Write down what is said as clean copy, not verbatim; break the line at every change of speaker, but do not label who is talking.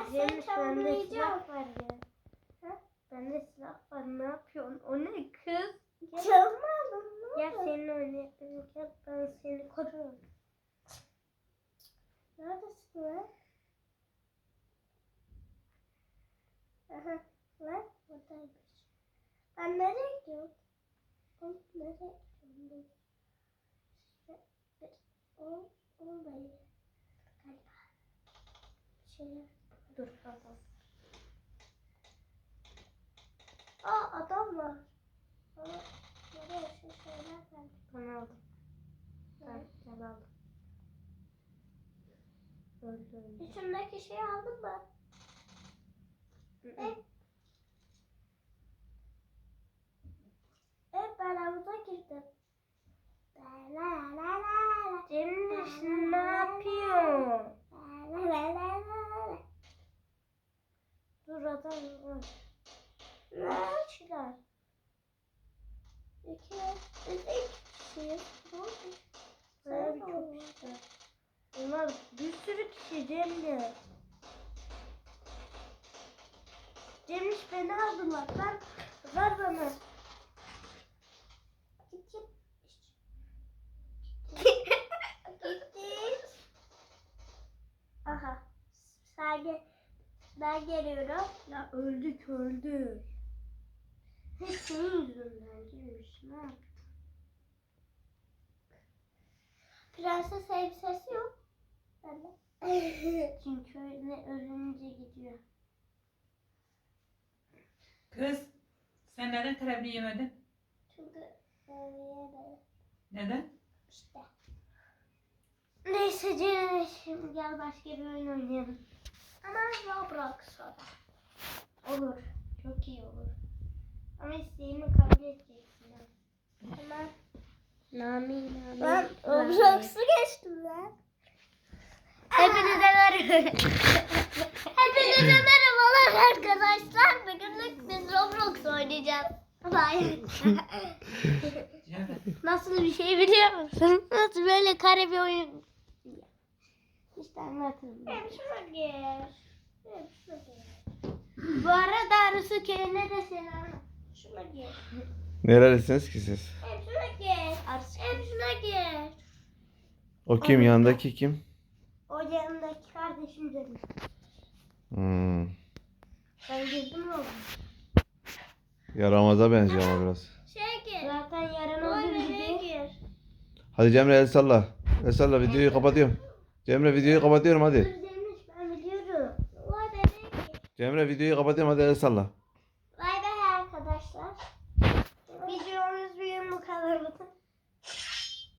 seni
Bende
çamurlayacağım.
silah var ya.
Ha?
Bende silah var. Ne yapıyorsun? O ne kız?
Çalmadım.
Gel seninle oynayalım. Gel ben seni koruyorum.
Neredesin lan? Aha. Lan buradaymış. Ben nereye gidiyorum? Ben nereye gidiyorum? Olmayı. Galiba. Şey.
Dur adam.
Adam var. Nereye şu şeyler geldi.
Ben aldım. Ben aldım. Öldü.
İçimdeki şeyi aldın mı? Evet. Evet ben havuza girdim. La la la la.
Cemre ne yapıyor?
La la la la.
Dur adam var.
Ne kişiler? İki kişiyiz.
Böyle çok işte. Onlar bir sürü kişi Cemre. Cemre beni aldılar. Ver bana.
Gittik. Aha. Ben geliyorum.
Ya öldük. Hep senin yüzünden Cemre. Ne yaptın?
Prenses elbisesi yok. Bende.
Çünkü ne ölünce gidiyor.
Kız, sen neden karabiber yemedin?
Çünkü yemedim.
Neden?
İşte.
Neyse Cemre şimdi gel başka bir oyun oynayalım.
Ama Roblox o da.
Olur. Çok iyi olur. Ama isteğimi kabul edeceksin.
Hemen.
Nami.
Ben Roblox'u geçtim lan.
Hepinize merhaba.
Hepinize merhabalar arkadaşlar. Bugünlük biz Roblox oynayacağız. Hayır.
Cemre.
Nasıl bir şey biliyor musun? Nasıl böyle kare bir oyun? İşte anlatırım.
Hem şuna gir. Hem şuna gir.
Bu arada Arısı köyüne de selam.
Şuna gir.
Nerelisiniz ki siz?
Hem şuna gir.
Arısı
Hem şuna gir.
O kim? Yanındaki kim?
O yanındaki kardeşim dedim. Ben girdim mi oğlum?
Yaramaza benziyor ama biraz.
Şeye gir.
Zaten yarın
Oy
olduğu
nereye
gibi.
gir?
Hadi Cemre el salla. El salla, videoyu kapatıyorum. Cemre videoyu kapatıyorum
Dur
hadi.
Zeynep ben biliyorum.
Oy nereye gir?
Cemre videoyu kapatıyorum hadi el salla.
Bay bay arkadaşlar.
Videomuz bugün bu kadar.